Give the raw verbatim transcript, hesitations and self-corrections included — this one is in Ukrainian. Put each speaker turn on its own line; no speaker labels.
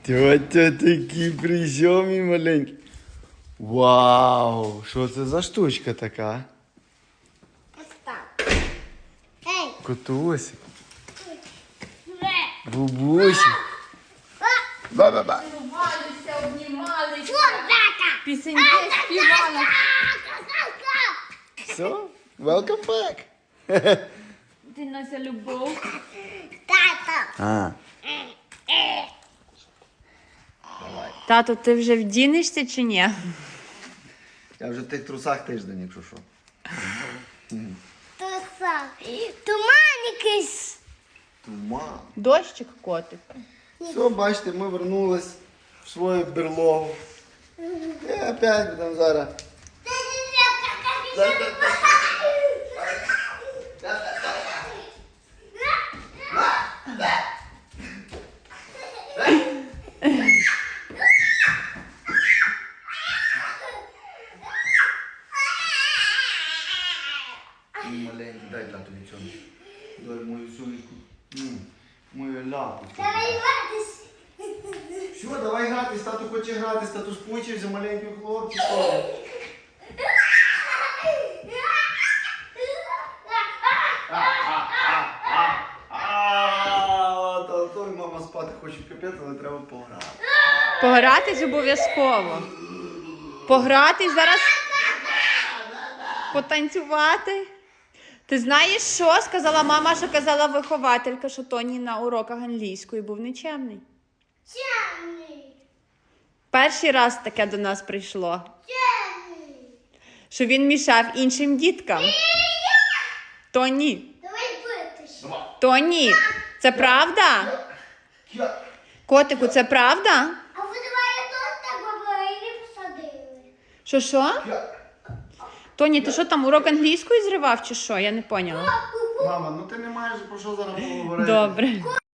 Тьотя такі прийомі маленькі. Вау! Що це за штучка така?
Ось так. Ей!
Котусь.
Вже!
Бабусі. Ба-ба-ба.
Цілувалися, обнімалися,
Фурдака!
пісеньки співали.
Все? Welcome back.
Ти Нася любов.
Тато!
А.
Тато, ти вже вдінешся чи ні?
Я вже в тих трусах тиждень, якщо що.
То сам. Туман якийсь.
Туман.
Дощик, котик.
Все, бачите, ми вернулись в свою берлогу. І опять будемо зараз. Маленький, дай тату нічого. Дай мою сонечку. М, Мою ляпу.
Давай гратись.
Що, давай гратись, тату хоче гратись, тату скучився, маленький хлопчик. А, Тато і мама спати хочуть капець, але треба пограти.
Погратись обов'язково. Погратись зараз. Потанцювати. Ти знаєш що? Сказала мама, що казала вихователька, що Тоні на уроках англійської був нечемний.
Чемний.
Перший раз таке до нас прийшло.
Чемний.
Що він мішав іншим діткам. Тоні.
Давай битись.
Тоні. Це правда? Котику, це правда?
А ви давай тут так говорили, посадили.
Що що? Тоні, ти що там урок англійської зривав чи що? Я не поняла.
Мама, ну ти не маєш про що зараз поговорити.
Добре.